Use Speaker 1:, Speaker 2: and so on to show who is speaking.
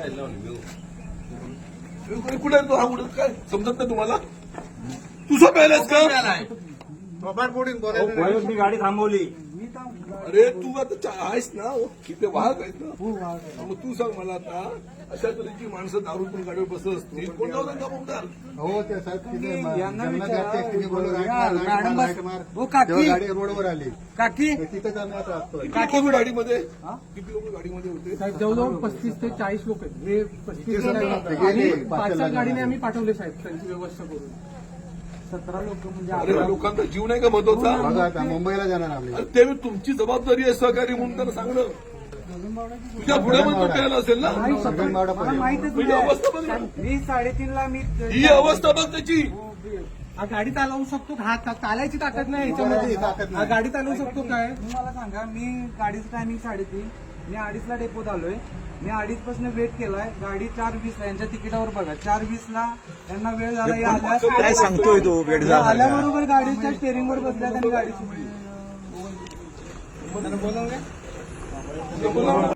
Speaker 1: कुठे आहे तो हा उडत काय समजत नाही तुम्हाला? तुझं पहिलाच का?
Speaker 2: मी गाडी थांबवली.
Speaker 1: अरे तू आता आहेस ना, किती वाहक आहेस ना, मग तू सांग मला आता अशा तऱ्हेची माणसं दारू पण गाडीवर बसत असतील, कोण लावतात का बोलतात?
Speaker 3: हो ते साहेब
Speaker 4: यांना गाडी
Speaker 3: रोडवर आली
Speaker 4: काकी
Speaker 3: तिथे आम्ही आता असतो.
Speaker 1: किती लोक गाडीमध्ये होते?
Speaker 5: साहेब जवळजवळ 35 ते 40 लोक आहेत. हे 35 आणि 5 गाडीने आम्ही पाठवले साहेब त्यांची व्यवस्था करून.
Speaker 4: 17 लोक म्हणजे
Speaker 1: अरे लोकांचा जीव नाही का महत्वाचा?
Speaker 3: बघा आता मुंबईला जाणार आम्ही.
Speaker 1: अरे ते तुमची जबाबदारी आहे सहकारी म्हणून त्यांना सांगणं. तुझ्या पुढे पण तो प्यायला असेल ना.
Speaker 4: मला माहितच
Speaker 1: तुझी अवस्था बघ ना.
Speaker 4: मी 3:30ला मी
Speaker 1: ही अवस्था बघ त्याची.
Speaker 5: हा गाडी चालवू शकतो का? हा चालायची ताकद नाही
Speaker 3: ताकद
Speaker 5: याच्यामध्ये.
Speaker 3: नाही.
Speaker 5: हा गाडी चालवू शकतो काय?
Speaker 4: मला सांगा, मी गाडीचं टायमिंग 3:30, मी 2:30ला डेपोत आलोय. मी 2:30 पासून वेट केलाय. गाडी 4:20ला यांच्या तिकिटावर बघा 4:20ला त्यांना वेळ झाला.
Speaker 2: काय सांगतोय तो वेळ झाला?
Speaker 4: आल्याबरोबर गाडीच्या स्टेअरिंगवर बसल्या त्यांनी गाडी सुटली.
Speaker 1: बोला.